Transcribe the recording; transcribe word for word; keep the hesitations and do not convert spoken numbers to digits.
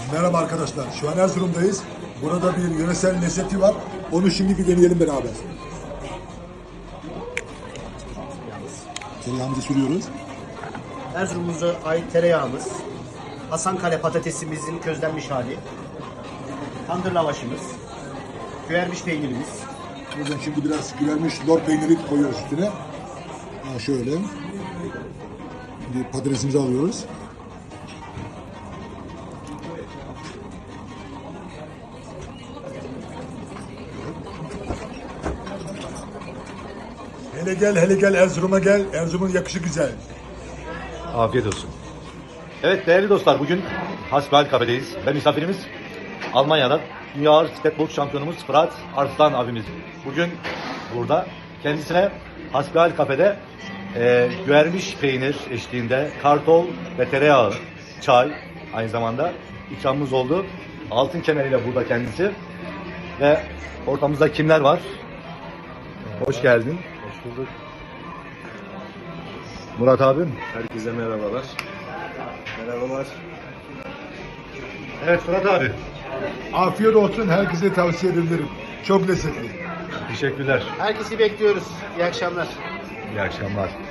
Merhaba arkadaşlar. Şu an Erzurum'dayız. Burada bir yöresel lezzeti var. Onu şimdi bir deneyelim beraber. Tereyağımızı sürüyoruz. Erzurum'umuza ait tereyağımız, Hasankale patatesimizin közlenmiş hali, tandır lavaşımız, güvermiş peynirimiz. Buradan şimdi biraz güvermiş lor peyniri koyuyoruz üstüne. Ha, şöyle. Şimdi patatesimizi alıyoruz. Hele gel, hele gel Erzurum'a gel. Erzurum'un yakışı güzel. Afiyet olsun. Evet değerli dostlar, bugün Hasbihal Kafe'deyiz ve misafirimiz Almanya'dan Dünya Ağır Bisiklet Boks Şampiyonumuz Fırat Arslan abimiz. Bugün burada kendisine Hasbihal Kafe'de e, güvermiş peynir eşliğinde kartol ve tereyağı, çay aynı zamanda ikramımız oldu. Altın kemeriyle burada kendisi ve ortamızda kimler var? Hoş geldin. Hoş bulduk. Murat abim. Herkese merhabalar. Merhabalar. Evet Fırat abi. Afiyet olsun. Herkese tavsiye ederim. Çok lezzetli. Teşekkürler. Herkesi bekliyoruz. İyi akşamlar. İyi akşamlar.